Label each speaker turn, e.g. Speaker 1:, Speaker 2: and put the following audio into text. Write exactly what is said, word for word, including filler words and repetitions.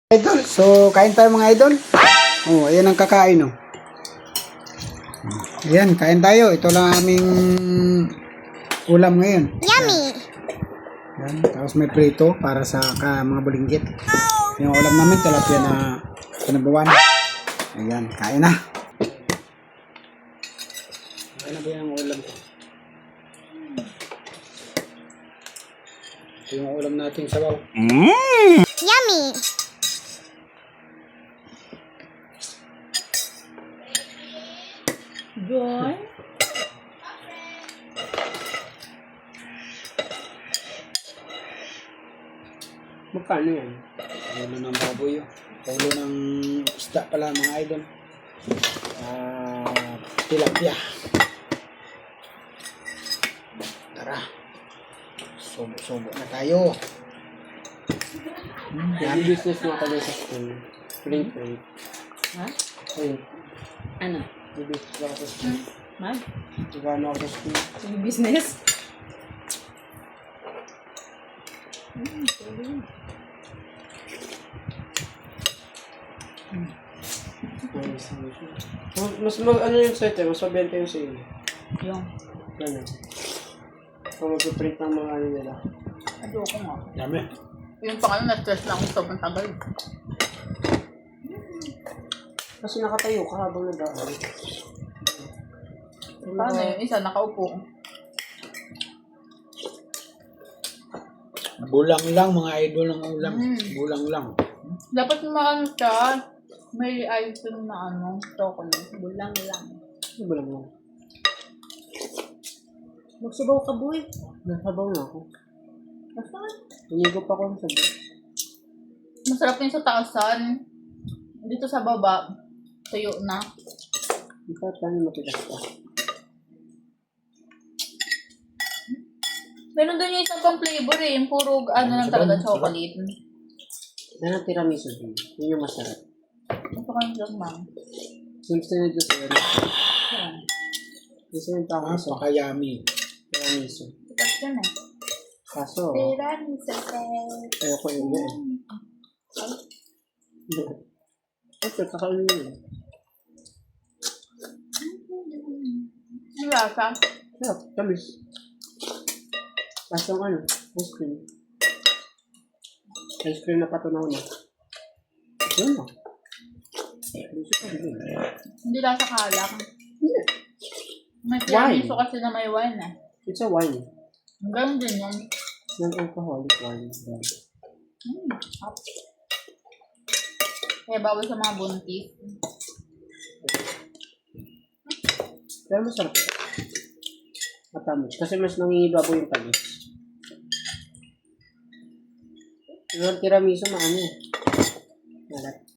Speaker 1: Idol, so kain tayo mga idol. Oh, ayan ang kakain oh. Ayan, kain tayo. Ito lang aming ulam ngayon.
Speaker 2: Yummy!
Speaker 1: Ayan, tapos may prito para sa ka, mga bulinggit. Yung ulam namin, tilapia na pinabuan. Ayan, kain na. Kain na ba yung ulam ko? Ito yung ulam natin sa bawah.
Speaker 2: Mm. Yummy!
Speaker 3: Joy?
Speaker 1: Magkano yan? Ulo ng baboy yun. Ulo ng isda pala mga idol. Ah, tilapia. Tara. Subo-subo na tayo.
Speaker 4: Yung business mo kami sa school. Print, print.
Speaker 3: Ha?
Speaker 4: Print.
Speaker 3: Ano?
Speaker 4: Yung business ako sa school.
Speaker 3: Mag?
Speaker 4: Nagano ako sa school.
Speaker 3: Yung business?
Speaker 4: Mas, mas mag, ano yung site eh, mas mabenta yung sa inyo.
Speaker 3: Yung.
Speaker 4: Ano? Kung mag-print ng mga ano nila.
Speaker 3: Ayoko nga.
Speaker 1: Dami.
Speaker 3: Yung pang ano, na-stress lang ako sobrang tagal.
Speaker 4: Kasi nakatayo ka habang nag-aaral.
Speaker 3: Paano yung isa, nakaupo.
Speaker 1: Bulang lang mga idol ng ulam.
Speaker 3: Mm.
Speaker 1: Bulang lang.
Speaker 3: Dapat maano siya, may item na ano, chocolate. Bulang lang.
Speaker 4: Ano ba lang lang?
Speaker 3: Magsubaw ka, boy.
Speaker 4: Nasabaw na ako.
Speaker 3: Basta.
Speaker 4: Hinigo pa ako sa sabi.
Speaker 3: Masarap yun sa taasan. Dito sa baba, tuyo na.
Speaker 4: Hindi pa tayo matigas pa.
Speaker 3: Meron doon yung isang pang flavor eh, yung puro ano lang talaga, chocolate.
Speaker 4: Yan ang tiramisu din. Yun yung masarap.
Speaker 3: Ito kayo lang, ma'am.
Speaker 4: Yung sinunod ko sa iyo.
Speaker 3: Yan.
Speaker 4: Gusto yung
Speaker 1: Ah,
Speaker 4: tama sa
Speaker 1: pakayami.
Speaker 4: tiramisu.
Speaker 3: Tapos yan eh.
Speaker 4: Kaso,
Speaker 3: Tiramisu.
Speaker 4: ayoko yun eh. Okay, kakain mo yun.
Speaker 3: Yung lasa.
Speaker 4: Sarap, tamis. Kaso ang ano, ice cream. Ice cream na patunaw na. Yun na.
Speaker 3: Hindi lasa kalak.
Speaker 4: Hindi.
Speaker 3: May
Speaker 4: Wine.
Speaker 3: tiramisu kasi na may wine eh.
Speaker 4: It's a wine.
Speaker 3: Hanggang din yun.
Speaker 4: Non-alcoholic wine.
Speaker 3: Mm. Up. Kaya bawal sa mga buntis.
Speaker 4: Pero masarap. Matamis. Kasi mas nangingibabaw yung tamis. Yung tiramisu maano eh.